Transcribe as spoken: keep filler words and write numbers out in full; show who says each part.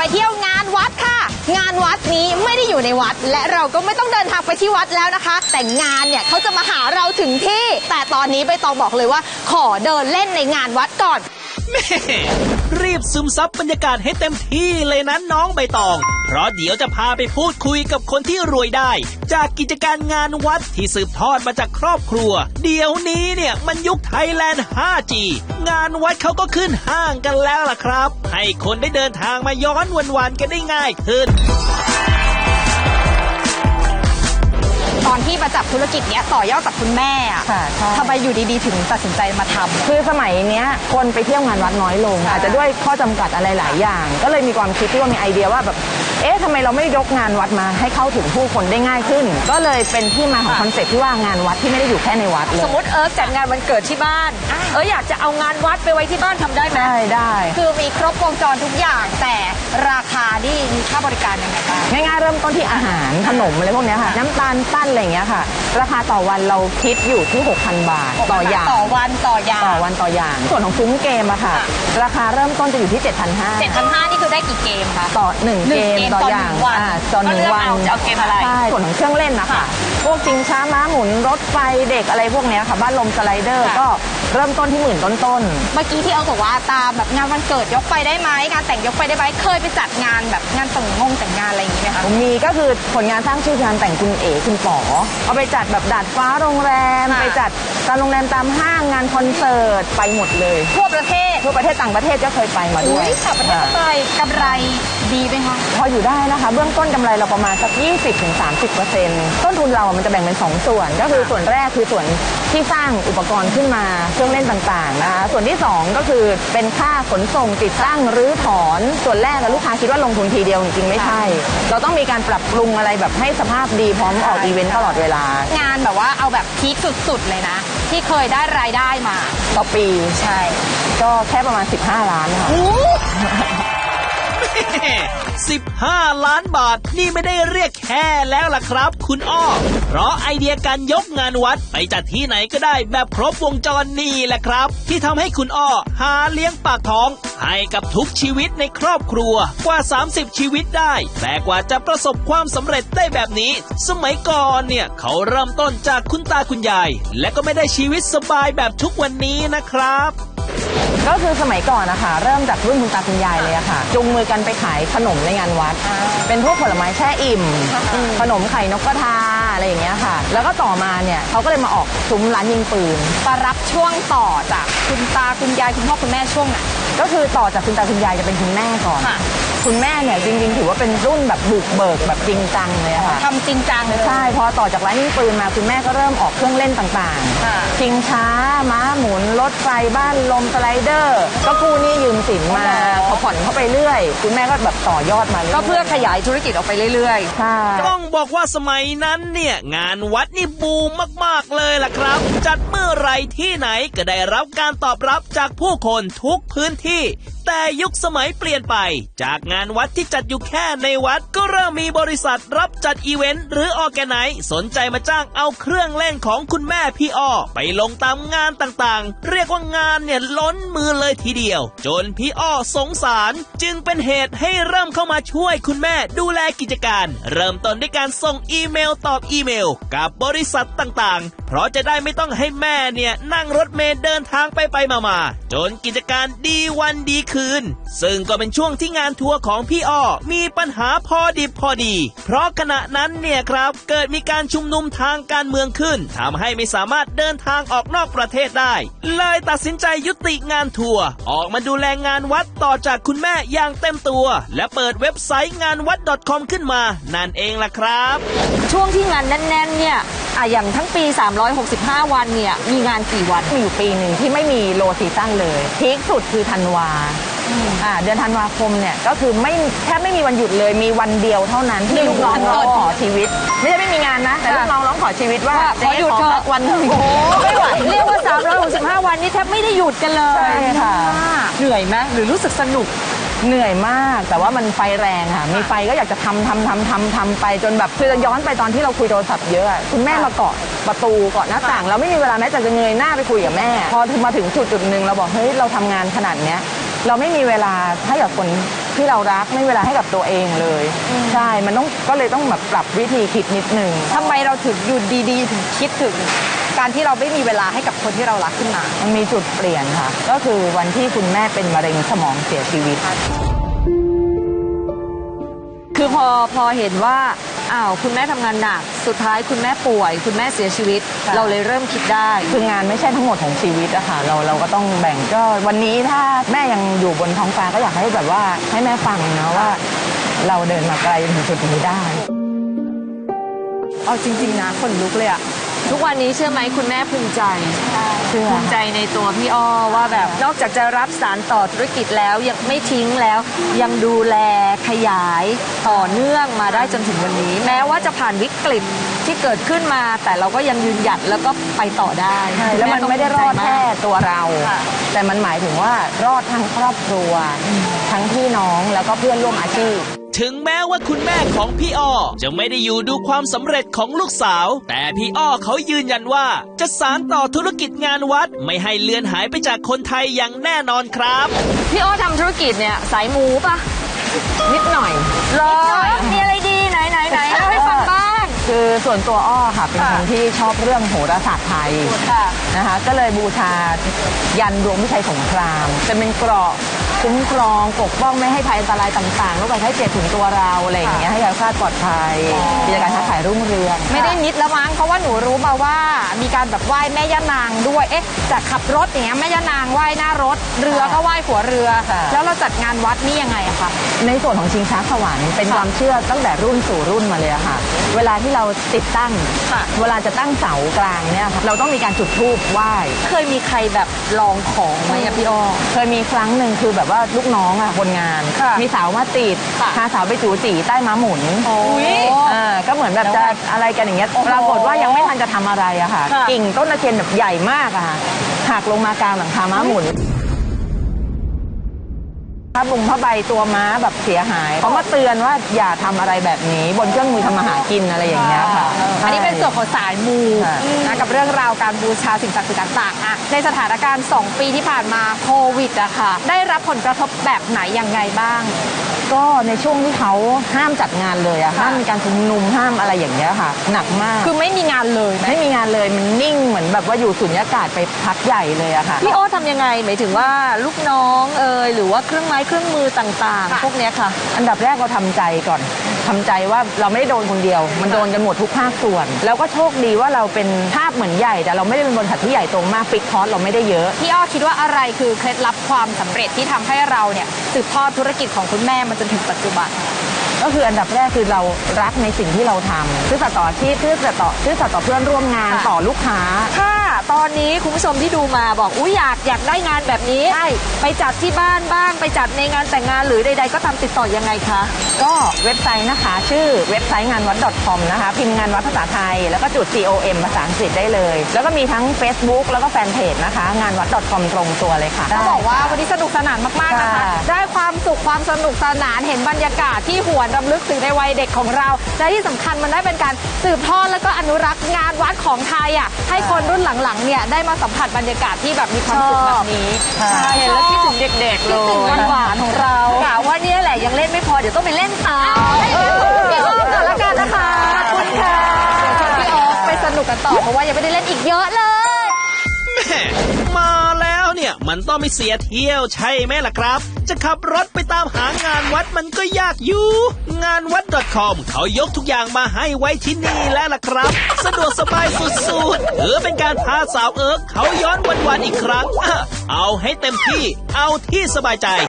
Speaker 1: เที่ยวงานวัดค่ะงานวัดนี้ไม่ได้อยู่ในวัดและเราก็ไม่ต้องเดินทางไปที่วัดแล้วนะคะแต่งานเนี่ยเขาจะมาหาเราถึงที่แต่ตอนนี้ใบตองบอกเลยว่าขอเดินเล่นในงานวัดก่อน
Speaker 2: แม่รีบซึมซับบรรยากาศให้เต็มที่เลยนะน้องใบตองเพราะเดี๋ยวจะพาไปพูดคุยกับคนที่รวยได้จากกิจการงานวัดที่สืบทอดมาจากครอบครัวเดี๋ยวนี้เนี่ยมันยุคไทยแลนด์ ไฟว์ จี งานวัดเขาก็ขึ้นห้างกันแล้วล่ะครับให้คนได้เดินทางมาย้อนวันๆกันได้ง่ายขึ้น
Speaker 1: ตอนที่มาจับธุรกิจเนี้ยต่อยอดจากคุณแม่อะทำไมอยู่ดีๆถึงตัดสินใจมาทำ
Speaker 3: คือสมัยเนี้ยคนไปเที่ยวงานวัดน้อยลงอาจจะด้วยข้อจำกัดอะไรหลายอย่างก็เลยมีความคิดที่ว่ามีไอเดียว่าแบบเอ๊ะทำไมเราไม่ยกงานวัดมาให้เข้าถึงผู้คนได้ง่ายขึ้นก็เลยเป็นที่มาของคอนเซ็ปต์ที่ว่างานวัดที่ไม่ได้อยู่แค่ในวัดเลย
Speaker 1: สมมติเอิร์กจัดงานวันเกิดที่บ้านเอออยากจะเอางานวัดไปไว้ที่บ้านทำได้ไหม
Speaker 3: ได้ได้
Speaker 1: คือมีครบวงจรทุกอย่างแต่ราคานี่มีค่าบริการยังไงบ้าง
Speaker 3: ง่ายๆเริ่มต้นที่อาหารขนมอะไรพวกนี้ค่ะน้ำตาลปั้นอะไรอย่างเงี้ยค่ะราคาต่อวันเราคิดอยู่ที่ หกพัน บาทต่ออย่าง
Speaker 1: ต่อวันต่ออย่าง
Speaker 3: ต่อวันต่ออย่างส่วนของซุ้มเกมอะค่ะราคาเริ่มต้นจะอยู่ที่ เจ็ดพันห้าร้อย
Speaker 1: เจ็ดพันห้าร้อย นี่คือได้กี่เกมคะ
Speaker 3: ต่อหนึ่งเกมต่ออย่างต่อหนึ่งวัน
Speaker 1: จะเอาเกมอะไร
Speaker 3: ใช่ส่วนของเครื่องเล่นนะคะพวกชิงช้าม้าหมุนรถไฟเด็กอะไรพวกนี้ค่ะบ้านลมสไลเดอร์ก็เริ่มต้นที่หมื่นต้น
Speaker 1: ๆเมื่อกี้ที่เอาบอกว่าตามแบบงานวันเกิดยกไปได้ไหมงานแต่งยกไปได้ไหมเคยไปจัดงานแบบงานแต่งงงแต่งงานอะไรอย่างนี้ไหมคะ
Speaker 3: มีก็คือผลงานสร้างชื่องานแต่งคุณเอ๋คุณป๋อเอาไปจัดแบบดาดฟ้าโรงแรมไปจัดตามโรงแรมตามห้างงานคอนเสิร์ตไปหมดเลย
Speaker 1: ทั่วประเทศ
Speaker 3: ทั่วประเทศต่างประเทศก็เคยไปมาด้วย
Speaker 1: ต่างประเทศไปกำไรดีไหมคะ
Speaker 3: พออยู่ได้นะคะเบื้องต้นกำไรเราประมาณสัก ยี่สิบถึงสามสิบเปอร์เซ็นต์ ต้นทุนเรามันจะแบ่งเป็นสองส่วนก็คือส่วนแรกคือส่วนที่สร้างอุปกรณ์ขึ้นมาเครื่องเล่นต่างๆนะคะส่วนที่สองก็คือเป็นค่าขนส่งติดตั้งรื้อถอนส่วนแรกลูกค้าคิดว่าลงทุนทีเดียวจริงๆไม่ใช่เราต้องมีการปรับปรุงอะไรแบบให้สภาพดีพร้อมออกอีเวนต์ตลอดเวลาง
Speaker 1: านแบบว่าเอาแบบพีคสุดๆเลยนะที่เคยได้รายได้มา
Speaker 3: ต่อปี
Speaker 1: ใช่
Speaker 3: ก็แค่ประมาณสิบห้าล้านค่ะ
Speaker 2: สิบห้าล้านบาทนี่ไม่ได้เรียกแค่แล้วล่ะครับคุณอ้อเพราะไอเดียการยกงานวัดไปจัดที่ไหนก็ได้แบบครบวงจรนี่แหละครับที่ทำให้คุณอ้อหาเลี้ยงปากท้องให้กับทุกชีวิตในครอบครัวกว่าสามสิบชีวิตได้แต่กว่าจะประสบความสำเร็จได้แบบนี้สมัยก่อนเนี่ยเขาเริ่มต้นจากคุณตาคุณยายและก็ไม่ได้ชีวิตสบายแบบทุกวันนี้นะครับ
Speaker 3: ก็คือสมัยก่อนนะคะเริ่มจากรุ่นคุณตาคุณยายเลยอะค่ะจุงมือกันไปขายขนมในงานวัดเป็นพวกผลไม้แช่อิ่มขนมไข่นกกระทาอะไรอย่างเงี้ยค่ะแล้วก็ต่อมาเนี่ยเขาก็เลยมาออกซุ้มร้านยิงปืน
Speaker 1: มารับช่วงต่อจากคุณตาคุณยายคุณพ่อคุณแม่ช่วงไหน
Speaker 3: ก็คือต่อจากคุณตาคุณยายจะเป็นคุณแม่ก่อนคุณแม่เนี่ยจริงๆถือว่าเป็นรุ่นแบบบุกเบิกแบบจริงจังเลยค่ะ
Speaker 1: ทำจริงจังเลย
Speaker 3: ใช่พอต่อจากร้านยิงปืนมาคุณแม่ก็เริ่มออกเครื่องเล่นต่างๆชิงช้าม้าหมุนรถไฟบ้านลมสไลเดอร์ก็กู้หนี้ยืมสินมาเขาผ่อนเข้าไปเรื่อยคุณแม่ก็แบบต่อยอดมา
Speaker 1: ก็เพื่อขยายธุรกิจออกไปเรื่อย
Speaker 3: ๆใช่
Speaker 2: ต้องบอกว่าสมัยนั้นเนี่ยงานวัดนี่บูมมากๆเลยล่ะครับจัดเมื่อไรที่ไหนก็ได้รับการตอบรับจากผู้คนทุกพื้นที่แต่ยุคสมัยเปลี่ยนไปจากงานวัดที่จัดอยู่แค่ในวัดก็เริ่มมีบริษัทรับจัดอีเวนต์หรือออแกไนซ์สนใจมาจ้างเอาเครื่องเล่นของคุณแม่พี่อ้อไปลงตามงานต่างๆเรียกว่างานเนี่ยล้นมือเลยทีเดียวจนพี่อ้อสงสารจึงเป็นเหตุให้เริ่มเข้ามาช่วยคุณแม่ดูแลกิจการเริ่มต้นด้วยการส่งอีเมลตอบอีเมลกับบริษัทต่างๆเพราะจะได้ไม่ต้องให้แม่เนี่ยนั่งรถเมล์เดินทางไปไปมาๆจนกิจการดีวันดีคืนซึ่งก็เป็นช่วงที่งานทัวร์ของพี่อ้อมีปัญหาพอดิบพอดีเพราะขณะนั้นเนี่ยครับเกิดมีการชุมนุมทางการเมืองขึ้นทำให้ไม่สามารถเดินทางออกนอกประเทศได้เลยตัดสินใจยุติงานทัวร์ออกมาดูแลงานวัดต่อจากคุณแม่อย่างเต็มตัวและเปิดเว็บไซต์งานวัด .com ขึ้นมานั่นเองล่ะครับ
Speaker 1: ช่วงที่งานแน่นๆเนี่ยอ่ะอย่างทั้งปีสามร้อยหกสิบห้าวันเนี่ยมีงานกี่วัน
Speaker 3: มีอยู่ปีหนึ่งที่ไม่มีโลซีซั่นเลยพีคสุดคือธันวาอ่าเดือนธันวาคมเนี่ยก็คือไม่แทบไม่มีวันหยุดเลยมีวันเดียวเท่านั้นที่ลูกน้องร้องขอชีวิตไม่ใช่ไม่มีงานนะแต่ลูกน้องร้องขอชีวิตว่า
Speaker 1: ขอหยุดเถอะ
Speaker 3: วันนึง
Speaker 1: โอ้ไม่ไหวเรียกว่าสามร้อยหกสิบห้าวันนี้แทบไม่ได้หยุดกันเลย
Speaker 3: ใช่ค่ะ
Speaker 1: เหนื่อยไหมหรือรู้สึกสนุก
Speaker 3: เหนื่อยมากแต่ว่ามันไฟแรงค่ะมีไฟก็อยากจะทำทำทำทำทำไปจนแบบคือจะย้อนไปตอนที่เราคุยโทรศัพท์เยอะคุณแม่มาเกาะประตูเกาะหน้าต่างเราไม่มีเวลาแม้แต่จะเงยหน้าไปคุยกับแม่พอมาถึงจุดจุดหนึ่งเราบอกเฮ้ยเราทำงานขนาดเนี้ยเราไม่มีเวลาให้กับคนที่เรารักไม่มีเวลาให้กับตัวเองเลยใช่มันต้องก็เลยต้องแบบปรับวิธีคิดนิดนึง
Speaker 1: ทำไมเราถึงอยู่ดีๆ ถึงคิดถึง การที่เราไม่มีเวลาให้กับคนที่เรารักขึ้นมา
Speaker 3: มันมีจุดเปลี่ยนค่ะก็คือวันที่คุณแม่เป็นมะเร็งสมองเสียชีวิต
Speaker 4: คือพอพอเห็นว่าอ้าวคุณแม่ทำงานหนักสุดท้ายคุณแม่ป่วย คุณแม่เสียชีวิต
Speaker 3: ค่ะ
Speaker 4: เราเลยเริ่มคิดได้
Speaker 3: คืองานไม่ใช่ทั้งหมดของชีวิตอะค่ะเราเราก็ต้องแบ่งก็วันนี้ถ้าแม่ยังอยู่บนท้องฟ้าก็อยากให้แบบว่าให้แม่ฟังนะว่า เราเดินมาไกลถึงจุดนี้ได้
Speaker 1: เอาจริงๆนะคนลุกเลยอะ
Speaker 4: ทุกวันนี้เชื่อไหมคุณแม่ภูมิใจ
Speaker 3: เชื่อ
Speaker 4: ภูมิใจในตัวพี่อ้อว่าแบบนอกจากจะรับสารต่อธุรกิจแล้วยังไม่ทิ้งแล้ว ยังดูแลขยายต่อเนื่องมาได้จนถึงวันนี้ แม้ว่าจะผ่านวิกฤตที่เกิดขึ้นมา แต่เราก็ยังยืนหยัดแล้วก็ไปต่อได้
Speaker 3: ใช่แล้วมันไม่ได้รอดแค่ตัวเรา
Speaker 4: ค่ะ
Speaker 3: แต่มันหมายถึงว่ารอดทั้งครอบครัว ทั้งพี่น้องแล้วก็เพื่อนร่วมอาชีพ
Speaker 2: ถึงแม้ว่าคุณแม่ของพี่อ้อจะไม่ได้อยู่ดูความสำเร็จของลูกสาว แต่พี่อ้อเขายืนยันว่าจะสานต่อธุรกิจงานวัดไม่ให้เลือนหายไปจากคนไทยอย่างแน่นอนครับ
Speaker 4: พี่อ้อทำธุรกิจเนี่ยสายมูปะ
Speaker 3: นิดหน่อย
Speaker 4: รอมีอะไรดีไหนไหนไหนเล่าให้ฟังบ้าง
Speaker 3: คือส่วนตัวอ้อค่ะเป็นคนที่ชอบเรื่องโหราศาสตร์ไทย
Speaker 4: ค่ะ
Speaker 3: นะคะก็เลยบูชายันดวงวิชัยสงครามจะเป็นเกราะคุ้มครองปกป้องไม่ให้ภัยอันตรายต่างๆโรคภัยไข้เจ็บถึงตัวเราอะไรอย่างเงี้ยให้เราคลาดปลอดภัยกิจการค้าขายรุ่งเรือง
Speaker 1: ไม่ได้นิดแล้วมั้งเพราะว่าหนูรู้มาว่ามีการแบบไหว้แม่ย่านางด้วยเอ๊ะจากขับรถอย่างเงี้ยแม่ย่านางไหว้หน้ารถ เรือก็ไหว้หัวเรือ แล้วเราจัดงานวัดนี่ยังไงอะคะ
Speaker 3: ในส่วนของชิงช้าสวรรค์เป็นความเชื่อตั้งแต่รุ่นสู่รุ่นมาเลยอะค่ะ เวลาที่เราติดตั้ง
Speaker 4: ค่ะ
Speaker 3: เวลาจะตั้งเสากลางเนี่ยค่ะเราต้องมีการจุดธูปไหว้
Speaker 4: เคยมีใครแบบลองของไหมอะพี่อ้อ
Speaker 3: เคยมีครั้งหนึ่งคือแบบว่าลูกน้องอะคนงาน
Speaker 4: ค่ะ
Speaker 3: มีเสามาติด
Speaker 4: ค่ะ
Speaker 3: พาเสาไปจูจีใต้ม้าหมุน
Speaker 4: อุ๊ย
Speaker 3: อ่าก็เหมือนแบบจะอะไรกันอย่างเงี้ยปรากฏว่ายังไม่ทันจะทำอะไรอะค่ะ
Speaker 4: ค่ะ
Speaker 3: กิ่งต้นตะเคียนแบบใหญ่มากอะค่ะหักลงมากลางหลังคาม้าหมุนผ้าบุงผ้าใบตัวม้าแบบเสียหายเขามาเตือนว่าอย่าทำอะไรแบบนี้บนเครื่องมือทำมาหากินอะไรอย่างเงี้ยค่ะ
Speaker 1: อันนี้เป็นส่วนของสายมู
Speaker 3: ค่ะ
Speaker 1: นะกับเรื่องราวการบูชาสิ่งศักดิ์สิทธิ์ต่างๆอะในสถานการณ์ สอง ปีที่ผ่านมาโควิดอะค่ะ ได้รับผลกระทบแบบไหนยังไงบ้าง
Speaker 3: ก็ในช่วงที่เขาห้ามจัดงานเลยอะห้ามมีการชุมนุมห้ามอะไรอย่างเงี้ยค่ะ หนักมาก
Speaker 1: คือไม่มีงานเลยไหม
Speaker 3: ไม่มีงานเลยมันนิ่งเหมือนแบบว่าอยู่สุญญากาศไปพักใหญ่เลยอะค่ะ
Speaker 4: พี่อ้อทำยังไงหมายถึงว่าลูกน้องเอ่ยหรือว่าเครื่องไม้เครื่องมือต่าง
Speaker 1: ค่ะ
Speaker 4: ๆ พวกเนี้ยค่ะ
Speaker 3: อันดับแรกเราทำใจก่อนทำใจว่าเราไม่ได้โดนคนเดียว มันโดนกันหมดทุกภาคส่วน แล้วก็โชคดีว่าเราเป็นภาพเหมือนใหญ่แต่เราไม่ได้เป็นบริษัทที่ใหญ่โตมากฟิกคอสเราไม่ได้เยอะ
Speaker 1: พี่อ้อคิดว่าอะไรคือเคล็ดลับความสำเร็จที่ทำให้เราเนี่ยสืบทอดธุรกิจของคุณแม่มาจนถึงปัจจุบัน
Speaker 3: ก็คืออันดับแรกคือเรารักในสิ่งที่เราทำซื่อสัตย์ต่ออาชีพซื่อสัตย์ต่อซื่อสัตย์ต่อเพื่อนร่วมงาน
Speaker 1: ค่ะ
Speaker 3: ต่อลูกค้า
Speaker 4: ถ้าตอนนี้คุณผู้ชมที่ดูมาบอกอุ้ยอยากอยากได้งานแบบนี้
Speaker 3: ใช่
Speaker 4: ไปจัดที่บ้านบ้างไปจัดในงานแต่งงานหรือใด ๆ ก็ตามติดต่อยังไงคะ
Speaker 3: ก็เว็บไซต์นะคะ ชื่อเว็บไซต์งานวัด .com นะคะพิมพ์งานวัดภาษาไทย แล้วก็จุด com ภาษาอังกฤษได้เลย แล้วก็มีทั้ง Facebook แล้วก็แฟนเพจนะคะ งานวัด .com ตรงตัวเลยค่ะ
Speaker 1: ต้องบอกว่าวันนี้สนุกสนานมากๆนะคะ
Speaker 3: ค่ะ
Speaker 1: ได้ความสุขความสนุกสนานเห็นบรรยากาศที่หวนรำลึกถึงในวัยเด็กของเราและที่สำคัญมันได้เป็นการสืบทอดแล้วก็อนุรักษ์งานวัดของไทยอ่ะให้คนรุ่นหลังๆเนี่ยได้มาสัมผัสบรรยากาศที่แบบมีความสุขแบบนี้
Speaker 3: ค่ะ
Speaker 4: ใช่เห็นแล้วคิดถึงเด็กๆเล
Speaker 1: คิดถึง
Speaker 4: ย
Speaker 1: หวานๆของเรา
Speaker 4: กะว่าเนี่ยแหละยังเล่นไม่พอเดี๋ยวต้องไปเล่นตาม
Speaker 1: ให้เดี๋ยวพี่ออฟก่อนละกันนะคะขอบคุณค่ะเดี๋ยวชวนพี่ออฟไปสนุกกันต่อเพราะว่ายังไม่ได้เล่นอีกเยอะเลย
Speaker 2: แม่มาแล้วเนี่ยมันต้องไม่เสียเที่ยวใช่ไหมล่ะครับ จะขับรถไปตามหางานวัดมันก็ยากอยู่ งานวัด .com เขายกทุกอย่างมาให้ไว้ที่นี่แล้วล่ะครับ สะดวกสบายสุดๆถือเป็นการพาสาวเอิร์กเขาย้อนวันๆอีกครั้งอ่ะเอาให้เต็มที่เอาที่สบายใจ